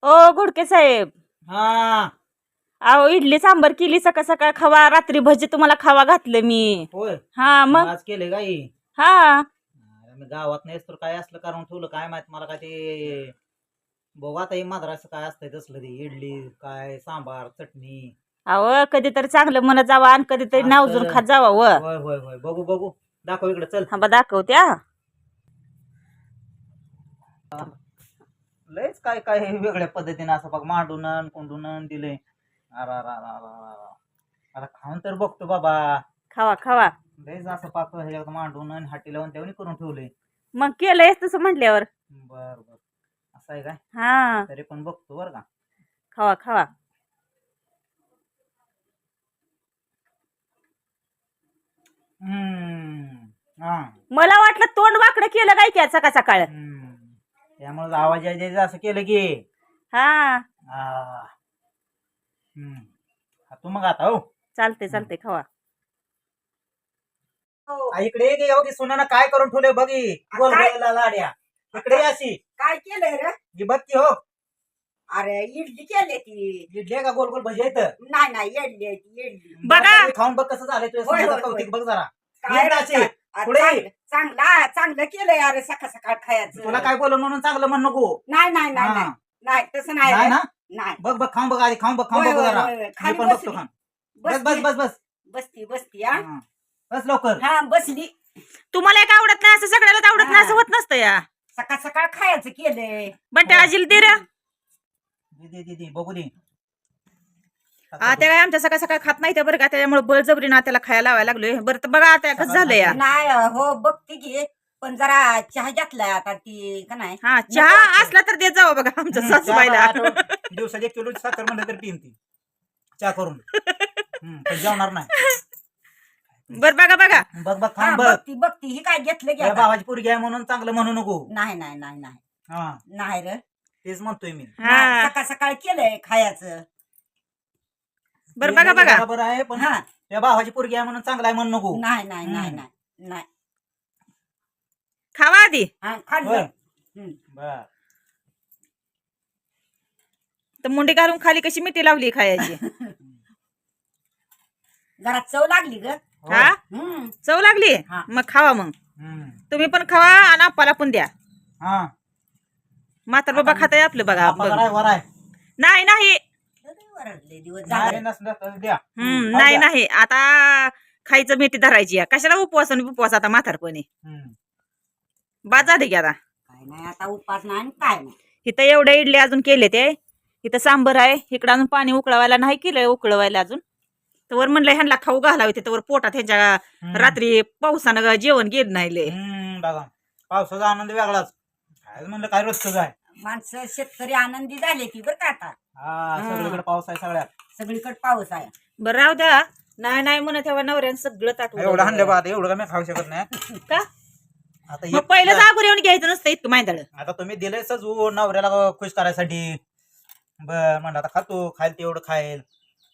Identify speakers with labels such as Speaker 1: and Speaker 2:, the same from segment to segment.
Speaker 1: ओ घोडके साहेब,
Speaker 2: हा.
Speaker 1: अहो इडली सांबर केली सकाळ सकाळ खावा, रात्री भजी तुम्हाला खावा घातलं मी.
Speaker 2: होय.
Speaker 1: हा
Speaker 2: मग
Speaker 1: मग
Speaker 2: आज केले गाई.
Speaker 1: हा
Speaker 2: मी गावात नाहीस तर काय असलं कारण ठेवलं काय माहित मला काय ते बघू आता हे माद्रास काय असतंय तसलं ते इडली काय सांबार चटणी.
Speaker 1: अहो कधीतरी चांगलं म्हणत जावा आणि कधीतरी नावजून
Speaker 2: असं.
Speaker 1: खात जावा व.
Speaker 2: होय होय होय बघू बघू दाखव इकडे चल.
Speaker 1: हा बा दाखवत्या.
Speaker 2: लयच काय काय हे वेगळ्या पद्धतीने असं बघ मांडून कोंडून दिले. आता खाऊन तर बघतो बाबा.
Speaker 1: खावा खावा.
Speaker 2: लयच असं पाक ह्याच्यात मांडून आणि हाटी लावून त्यावनी करून ठेवले.
Speaker 1: मग केलंय तसं म्हटल्यावर.
Speaker 2: बर बर असं आहे काय.
Speaker 1: हा
Speaker 2: तरी पण बघतो बर का.
Speaker 1: खावा खावा.
Speaker 2: हा.
Speaker 1: मला वाटलं तोंड वाकडं केलं काय क्या सकाळ सकाळ.
Speaker 2: त्यामुळे आवाज यायचा असं केलं की.
Speaker 1: हा
Speaker 2: तू मग आता हो
Speaker 1: चालते चालते खावा.
Speaker 2: इकडे ये की एवढी सुनानं काय करून ठेवले बघी गोल
Speaker 3: काय?
Speaker 2: गोल लाड्या. इकडे ये अशी
Speaker 3: काय केलंय रे?
Speaker 2: ही बघ की हो.
Speaker 3: अरे इडली केली ती.
Speaker 2: इडली आहे का गोल गोल भजी येतं.
Speaker 3: नाही इडली आहे ती, इडली.
Speaker 1: बघा.
Speaker 2: खाऊन बघ कसं झालंय तुझ्या
Speaker 3: होय, होय,
Speaker 2: सुनाचं
Speaker 3: होय.
Speaker 2: कौतिक बघ जरा.
Speaker 3: काय रे,
Speaker 2: अशी. पुढे ये.
Speaker 3: चांगलं केलंय अरे सकाळ सकाळ खायचं.
Speaker 2: तुला काय बोलू म्हणून चांगलं म्हण नको.
Speaker 3: नाही
Speaker 2: हा.
Speaker 3: नाही तसं नाही
Speaker 2: नाही
Speaker 3: रे.
Speaker 2: ना
Speaker 3: नाही
Speaker 2: बघ बघ खाऊन बघ आधी खाऊन बघ
Speaker 3: होय, होय,
Speaker 2: जरा.
Speaker 3: होय, होय.
Speaker 2: मी
Speaker 3: खाली
Speaker 2: पण बघतो
Speaker 3: बसली.
Speaker 2: खाऊन. बस बस बस बस
Speaker 3: बसती हा.
Speaker 2: हा. बस लवकर.
Speaker 3: हा बसली.
Speaker 1: तुम्हाला एक आवडत नाही असं सगळ्यालाच आवडत नाही असं होत नसतं या.
Speaker 3: सकाळ सकाळ खायचं केलंय.
Speaker 1: बंटे आजील दे रे.
Speaker 2: दे बघू दे.
Speaker 1: त्या काय आमच्या सकाळ सकाळ खात नाही त्या बरं का, त्याच्यामुळे बळजबरीनं त्याला खायला लावायला लागलोय. बरं तर बघा आता कसं झालं या.
Speaker 3: नाही हो बघते की पण जरा चहा घेतलाय आता ती का नाही.
Speaker 1: हा चहा असला तर देत जावं बघा आमच्या सासूबाईला.
Speaker 2: दिवसात 1 किलो साखर म्हणलं तर पिईन ती चहा करून. पण जेवणार नाही.
Speaker 1: बर बघा बघा.
Speaker 2: बघ बघ
Speaker 3: हा,
Speaker 2: खाऊन बघ.
Speaker 3: बघती ही काय घेतलं की
Speaker 2: या
Speaker 3: आता?
Speaker 2: भावाची पोरगी आहे म्हणून चांगलं म्हणू नको.
Speaker 3: नाही
Speaker 2: हा
Speaker 3: नाही रे.
Speaker 2: तेच म्हणतोय मी.
Speaker 1: हा
Speaker 3: नाही, सकाळ सकाळ केलंय खायचं.
Speaker 1: बर बघा बघा.
Speaker 2: बरोबर आहे पण
Speaker 3: हा
Speaker 2: त्या भावाची पोरगी आहे म्हणून चांगला आहे म्हणू नको.
Speaker 3: नाही
Speaker 1: खावा आधी.
Speaker 3: हा
Speaker 2: होय.
Speaker 3: खाल्लं.
Speaker 2: बर
Speaker 1: तर मुंडी घालून खाली कशी मिठी लावली खायची.
Speaker 3: जरा चव लागली ग.
Speaker 1: हा चव लागली.
Speaker 3: हा.
Speaker 1: मग खावा मग तुम्ही पण खावा आणि आप्पाला पण द्या.
Speaker 2: हा
Speaker 1: म्हातार बाबा खाताय आपलं बघा.
Speaker 2: पगार आहे वर आहे.
Speaker 1: नाही नाही
Speaker 3: लय दिवस
Speaker 2: नाही
Speaker 3: झाले.
Speaker 2: नसलं तर द्या.
Speaker 1: नाही नाही आता खायचं मेथी धरायची या. कशाला उपवास आणि उपवास आता म्हातारपणी. बाद झाले की आता.
Speaker 3: काय नाही आता उपास नाही आणि काय नाही.
Speaker 1: इथं एवढ्या इडली अजून केले ते. इथं सांबर आहे. इकडं अजून पाणी उकळवायला नाही केलंय उकळवायला अजून. तर वर म्हणलं ह्यांना खाऊ घालावे तिथं वर पोटात ह्यांच्या रात्री पावसानं जेवण गेलं नाही लय.
Speaker 2: बघा पावसाचा आनंद वेगळाच. काय म्हणलं काय रोजच आहे.
Speaker 3: माणसं शेतकरी आनंदी झाले ती बरं का आता.
Speaker 2: हा सगळीकडे पाऊस आहे सगळ्यात.
Speaker 3: सगळीकडे पाऊस आहे.
Speaker 1: बरं राहू द्या. नाही नाही म्हणत तेव्हा नवऱ्यानं सगळं
Speaker 2: एवढं
Speaker 1: ताटवलं.
Speaker 2: हाणलं बा एवढं का मी खाऊ शकत नाही.
Speaker 1: का
Speaker 2: आता
Speaker 1: मग पहिलं जागून येऊन घ्यायचं नसतं इतकं माहिती.
Speaker 2: आता तुम्ही दिले सजू नवऱ्याला खुश करायसाठी. बर म्हणलं आता खातो खाईल तेवढं खाईल.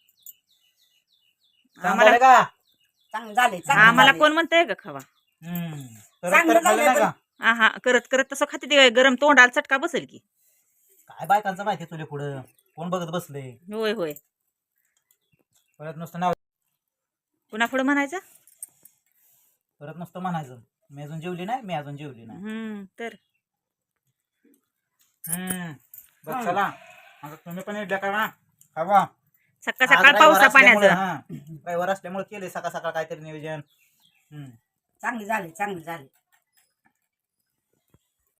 Speaker 1: आम्हाला-
Speaker 2: का
Speaker 3: चांगलं झाले
Speaker 1: आम्हाला कोण म्हणतंय का खावा.
Speaker 3: चांगलं
Speaker 2: खाल्लं नाही
Speaker 3: झालं
Speaker 2: का.
Speaker 1: हा हा करत करत तसं खाते ते गरम तोंडाला चटका बसेल की.
Speaker 2: काय बायकांचं माहिती तुला पुढं कोण बघत बसले.
Speaker 1: होय होय.
Speaker 2: परत नुसतं नाव
Speaker 1: पुन्हा पुढे म्हणायचं.
Speaker 2: परत नुसतं म्हणायचं मी अजून जेवली नाही मी अजून जेवली नाही.
Speaker 1: तर
Speaker 2: बघ चला आता तुम्ही पण इडल्या करा खावा.
Speaker 1: सकाळ सकाळ पावसा पाण्याचं.
Speaker 2: रविवार असल्यामुळे केले सकाळ सकाळ काहीतरी नियोजन.
Speaker 3: चांगली झाली